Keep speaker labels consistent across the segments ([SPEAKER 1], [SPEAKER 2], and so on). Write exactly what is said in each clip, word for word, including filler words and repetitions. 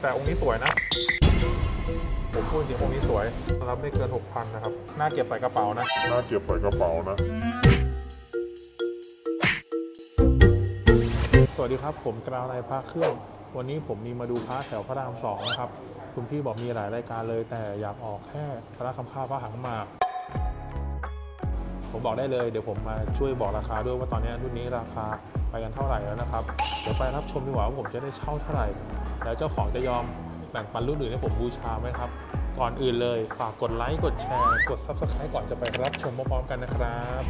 [SPEAKER 1] แต่องค์นี้สวยนะผมพูดจริงองค์นี้สวยรับไม่เกิน หกพัน นะครับน่าเก็บใส่กระเป๋านะ
[SPEAKER 2] น่าเก็บใส่กระเป๋านะ
[SPEAKER 1] สวัสดีครับผมกราวในพระเครื่องวันนี้ผมมีมาดูพระแถวพระรามสองนะครับคุณพี่บอกมีหลายรายการเลยแต่อยากออกแค่พระคำข้าวพระหางหมากผมบอกได้เลยเดี๋ยวผมมาช่วยบอกราคาด้วยว่าตอนนี้รุ่นนี้ราคาไปกันเท่าไหร่แล้วนะครับเดี๋ยวไปรับชมดีกว่าว่าผมจะได้เช่าเท่าไหร่แล้วเจ้าของจะยอมแบ่งปันรุ่นอื่นให้ผมบูชาไหมครับก่อนอื่นเลยฝากกดไลค์กดแชร์กด ซับสไครบ์ ก่อนจะไปรับชมพร้อมๆกันนะครับ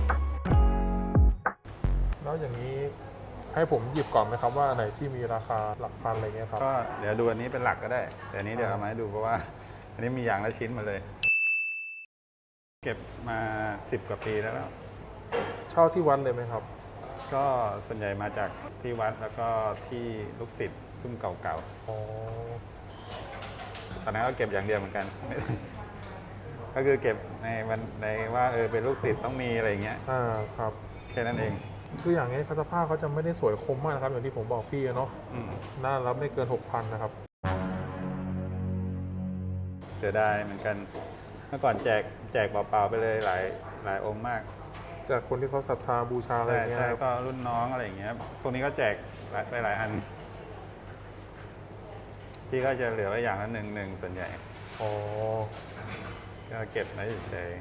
[SPEAKER 1] แล้วอย่างนี้ให้ผมหยิบก่อนไหมครับว่าไหนที่มีราคาหลักพันอะไรเงี้ยครับ
[SPEAKER 3] ก็เดี๋ยวดูอันนี้เป็นหลักก็ได้แต่อันนี้เดี๋ยวเอามาให้ดูเพราะว่าอันนี้มีอย่างละชิ้นมาเลยเก็บมาสิบกว่าปีแล้วแล้ว
[SPEAKER 1] เช่าที่วัดเลยไหมครับ
[SPEAKER 3] ก็ส่วนใหญ่มาจากที่วัดแล้วก็ที่ลูกศิษย์รุ่นเก่าๆ
[SPEAKER 1] อ๋อ
[SPEAKER 3] ตอนนั้นก็เก็บอย่างเดียวเหมือนกัน ก็คือเก็บในวันในว่าเออเป็นลูกศิษย์ต้องมีอะไรเงี้ย
[SPEAKER 1] อ่าครับ
[SPEAKER 3] แค่นั้นเอง
[SPEAKER 1] คืออย่างนี้สภาพเขาจะไม่ได้สวยคมมากนะครับอย่างที่ผมบอกพี่เนาะน่ารับไม่เกิน หกพัน นะครับ
[SPEAKER 3] เสียดายเหมือนกันเมื่อก่อนแจกแจกเปล่าๆไปเลยหลายหลายองค์มาก
[SPEAKER 1] จากคนที่เขาศรัทธาบูชาอะไรเงี้ย
[SPEAKER 3] ใช่ก็รุ่นน้องอะไรอย่างเงี้ยพวกนี้ก็แจกไปหลายอันที่ก็จะเหลือไว้อย่างละหนึ่งหนึ่งส่วนใหญ่
[SPEAKER 1] อ๋อ
[SPEAKER 3] ก็เก็บไว้เฉย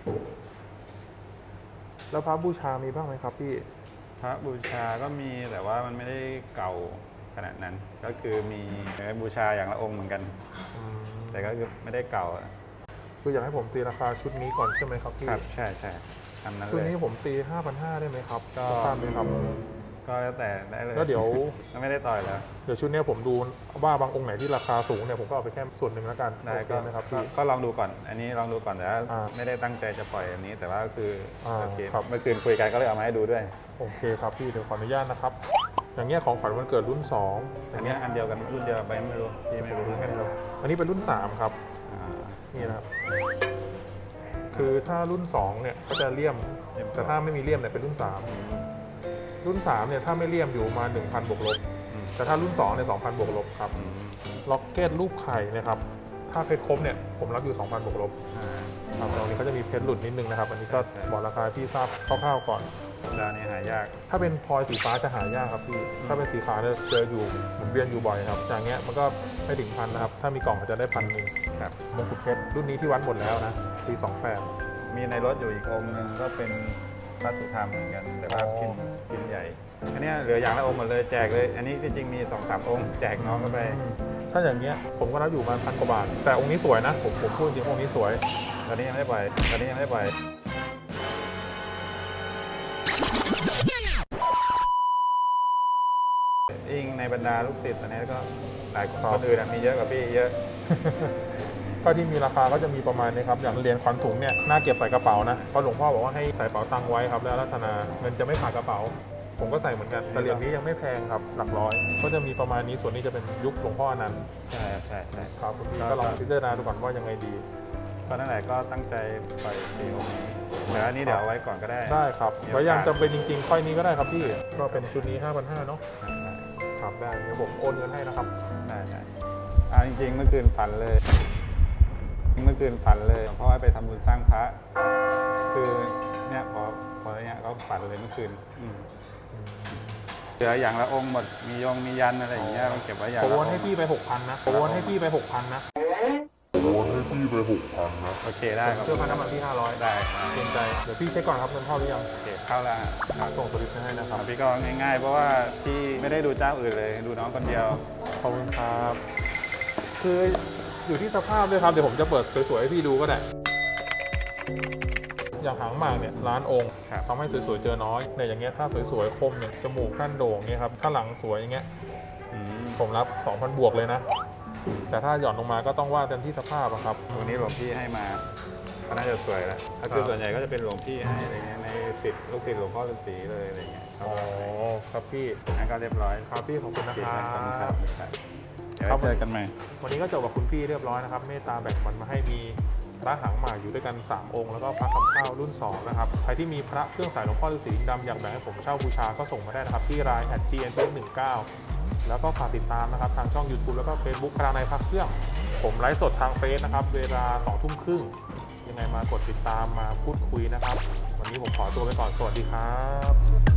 [SPEAKER 1] ๆแล้วพระบูชามีบ้างไหมครับพี่
[SPEAKER 3] พระบูชาก็มีแต่ว่ามันไม่ได้เก่าขนาดนั้นก็คือมีบูชาอย่างละองค์เหมือนกันแต่ก็คือไม่ได้เก่า
[SPEAKER 1] คืออยากให้ผมตีราคาชุดนี้ก่อนใช่ไหมครับพี่
[SPEAKER 3] ครับใช่ใช่ทำนั้นเลย
[SPEAKER 1] ชุดนี้ผมตี ห้าพันห้าร้อย ได้ไหมครับก็ทราบไหมครับ
[SPEAKER 3] ก็แล้วแต่ได้เลย
[SPEAKER 1] แล้วเดี๋ยว
[SPEAKER 3] ไม่ได้ต่อยแล้ว
[SPEAKER 1] เดี๋ยวชุดนี้ผมดูว่าบางองค์ไหนที่ราคาสูงเนี่ยผมก็เอาไปแค่ส่วนหนึ่งแล้วกัน
[SPEAKER 3] ได้ก็
[SPEAKER 1] ไหมครับพี่
[SPEAKER 3] ก็ลองดูก่อนอันนี้ลองดูก่อนแต่ว่าไม่ได้ตั้งใจจะปล่อยอันนี้แต่ว่าคือโอเคเมื่อคืนคุยกันก็เลยเอามาให้ดูด้วย
[SPEAKER 1] โอเคครับพี่เดี๋ยวขออนุญาตนะครับอย่างเงี้ยของขวัญวันเกิดรุ่นสอง
[SPEAKER 3] อันนี้อันเดียวกันรุ่นเดียวไปไม่รู้พี่ไม่รู้
[SPEAKER 1] กันครับอันนี้เป็นรุ่นสามครับนี่นะครับคือถ้ารุ่นสองเนี่ยก็จะเลี่ยมแต่ถ้าไม่มีเลี่ยมเนี่ยเป็นรุ่นสามรุ่นสามเนี่ยถ้าไม่เลี่ยมอยู่มาหนึ่งพันบวกลบแต่ถ้ารุ่นสองเนี่ยสองพันบวกลบครับล็อกเก็ตรูปไข่นะครับถ้าเพชรครบเนี่ยผมรับอยู่สองพันบวกลบครับตรงนี้เขาจะมีเพชรหลุดนิดนึงนะครับอันนี้ก็บอกราคาที่ทราบคร่าวๆก่อน
[SPEAKER 3] ดาวนี้หายาก
[SPEAKER 1] ถ้าเป็นพลอยสีฟ้าจะหายากครับพี่ถ้าเป็นสีฟ้าเนี่ยเจออยู่หมุนเวียนอยู่บ่อยครับอย่างเงี้ยมันก็ไม่ถึงพันนะครับถ้ามีกล่องก็จะได้พันหนึ่ง
[SPEAKER 3] ครับ
[SPEAKER 1] มงกุฎเพชรรุ่นนี้ที่วัดหมดแล้วนะปีสองแปด
[SPEAKER 3] มีในรถอยู่อีกองค์หนึ่งก็เป็นพระสุธรรมเหมือนกันแต่ว่าพิมพ์พิมพ์ใหญ่อันนี้เหลืออย่างละองค์หมดเลยแจกเลยอันนี้จริงๆมีสองสามองค์แจกน้องก็ไป
[SPEAKER 1] ถ้าอย่างเงี้ยผมก็รับอยู่มาพันกว่าบาทแต่องค์นี้สวยนะผมผมพูดจริงองค์นี้สวย
[SPEAKER 3] ตอนนี้ยังไม่ได้ปล่อยตอนนี้ยังไม่ได้ปล่อยยิ่งในบรรดาลูกศิษย์ตอนนี้ก็หลายคนอื่นมีเยอะกว่าพี่เยอะ
[SPEAKER 1] ก็ที่มีราคาก็จะมีประมาณนี้ครับอย่างเหรียญขวัญถุงเนี่ยน่าเก็บใส่กระเป๋านะเพราะหลวงพ่อบอกว่าให้ใส่กระเป๋าตังค์ไว้ครับแล้วรัตนาเงินจะไม่ขาดกระเป๋าผมก็ใส่เหมือนกันแต่เหรียญนี้ยังไม่แพงครับหลักร้อยก็จะมีประมาณนี้ส่วนนี้จะเป็นยุคหลวงพ่ออนันต์
[SPEAKER 3] ใช่ใช่ใช่
[SPEAKER 1] ครับก็ลองพิจารณาดูก่อนว่ายังไงดี
[SPEAKER 3] เพราะนั่นแหละก็ตั้งใจไปปีองค์นี้แต่อันนี้เดี๋ยวเอาไว้ก่อนก็ได้
[SPEAKER 1] ได้ครับไว้ยังจำเป็นจริงๆค่อยนี้ก็ได้ครับพี่ก็เป็นชุดนี้ ห้าพันห้าร้อย เนาะครับได้เดี๋ยวผมโอนเงินให้นะครับ
[SPEAKER 3] ได้ได้อ่าจริงๆเมื่อคืนฝันเลยเมื่อคืนฝันเลยเพราะว่าไปทำบุญสร้างพระคือเนี่ยพอพอเนี้ยก็ฝันเลยเมื่อคืนเหลืออย่างละองค์หมดมียงมียันอะไรอย่างเงี้ยเก็บไว้อย่างละองค์
[SPEAKER 1] โอนให้พี่ไป หกพัน นะโอนให้พี่ไป หกพัน นะ
[SPEAKER 2] โอนให้พี่ไป หกพัน นะ
[SPEAKER 3] โอเคได้ครับ
[SPEAKER 1] เชื่อพันน้ำมันที่ห้าร้อย
[SPEAKER 3] ได้
[SPEAKER 1] เกรงใจเดี๋ยวพี่เช็คก่อนครับเงินเข้าหรือยัง
[SPEAKER 3] โอเคเข้าแล้ว
[SPEAKER 1] ส่งสลิปให้นะครับ
[SPEAKER 3] พี่ก็ง่ายๆเพราะว่าพี่ไม่ได้ดูเจ้าอื่นเลยดูน้องคนเดียว
[SPEAKER 1] ขอบคุณครับคืออยู่ที่สภาพด้วยครับเดี๋ยวผมจะเปิดสวยๆให้พี่ดูก็ได้อย่างหางหมากเนี่ยล้านองค์ทำให้สวยๆเจอน้อยเนี่ยอย่างเงี้ยถ้าสวยๆคมเนี่ยจมูกด้านโด่งเนี่ยครับถ้าหลังสวยอย่างเงี้ยผมรับ สองพัน บวกเลยนะแต่ถ้าหย่อนลงมาก็ต้องว่าเต็มที่สภาพครับ
[SPEAKER 3] ตัวนี้หลวงพี่ให้มาก็น่าจะสวยแล้วถ้าคือส่วนใหญ่ก็จะเป็นหลวงพี่ให้อะไรเงี้ยในศิษย์ลูกศิษย์หลวงพ่อฤาษีเลยอะไรเงี้ย
[SPEAKER 1] อ๋อครับพี่
[SPEAKER 3] งั้นก็เรียบร้อย
[SPEAKER 1] ครับพี่ขอบคุณนะครับ
[SPEAKER 3] เดี๋ยวเจอกันใหม่
[SPEAKER 1] วันนี้ก็จบกับคุณพี่เรียบร้อยนะครับเมตตาแบ่งมันมาให้มีพระหางหมากอยู่ด้วยกันสามองค์แล้วก็พระคำข้าวรุ่นสองนะครับใครที่มีพระเครื่องสายหลวงพ่อฤาษีดำอยากแบ่งให้ผมเช่าบูชาก็ส่งมาได้นะครับที่ไลน์ แอท จี เอ็น พี เอส หนึ่งเก้าแล้วก็ฝากติดตามนะครับทางช่อง YouTube แล้วก็ Facebook พลังในพักเครื่องผมไลฟ์สดทางเฟซนะครับเวลาสองทุ่มครึ่งยังไงมากดติดตามมาพูดคุยนะครับวันนี้ผมขอตัวไปก่อนสวัสดีครับ